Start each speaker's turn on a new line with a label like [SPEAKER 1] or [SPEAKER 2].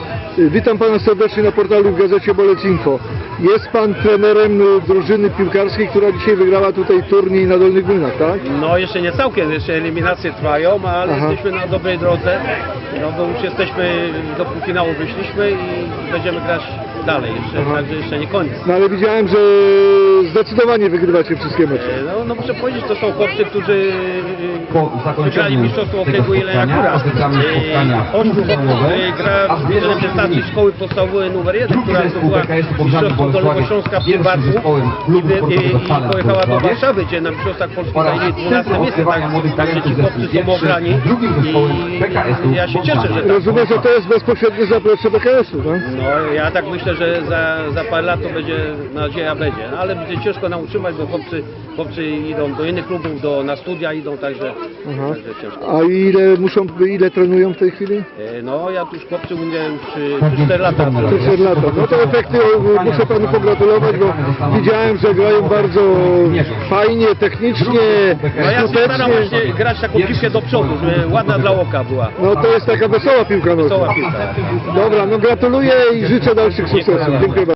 [SPEAKER 1] Witam Pana serdecznie na portalu w gazecie Bolec Info. Jest Pan trenerem drużyny piłkarskiej, która dzisiaj wygrała tutaj turniej na Dolnych Młynach, tak?
[SPEAKER 2] No jeszcze nie całkiem, jeszcze eliminacje trwają, ale jesteśmy na dobrej drodze, no bo już jesteśmy, do półfinału wyszliśmy i będziemy grać dalej jeszcze, także jeszcze nie koniec.
[SPEAKER 1] No ale widziałem, że zdecydowanie wygrywacie wszystkie mecze.
[SPEAKER 2] No muszę powiedzieć, to są chłopcy, którzy
[SPEAKER 3] Po zakończeniu
[SPEAKER 2] wygrali mistrzostwo okręgu Jelenia
[SPEAKER 3] oficjalne spotkania
[SPEAKER 2] 8 gra w reprezentacji szkoły podstawowej numer 1, która zdobyła mistrzostwo Dolnego Śląska w tym barku i pojechała do Warszawy, gdzie na mistrzostwach Polski zajęli 12 miejsce, także ci chłopcy są ograni i ja się cieszę, że tak.
[SPEAKER 1] Rozumiem, że to jest bezpośrednie zaplecze BKS-u, tak?
[SPEAKER 2] No ja tak myślę, że za parę lat to będzie, nadzieja będzie, no, ale będzie ciężko nam utrzymać, bo chłopcy idą do innych klubów, na studia idą, także ciężko.
[SPEAKER 1] A ile trenują w tej chwili?
[SPEAKER 2] No ja tu już chłopcy umiem 4 lata.
[SPEAKER 1] 4 lata. No to efekty muszę Panu pogratulować, bo widziałem, że grają bardzo fajnie, technicznie,
[SPEAKER 2] No ja się staram
[SPEAKER 1] skutecznie.
[SPEAKER 2] właśnie grać taką piłkę do przodu, żeby ładna dla oka była.
[SPEAKER 1] No to jest taka wesoła piłka nożna.
[SPEAKER 2] Wesoła piłka.
[SPEAKER 1] Dobra, no gratuluję i życzę dalszych sukcesów. Dziękuję bardzo.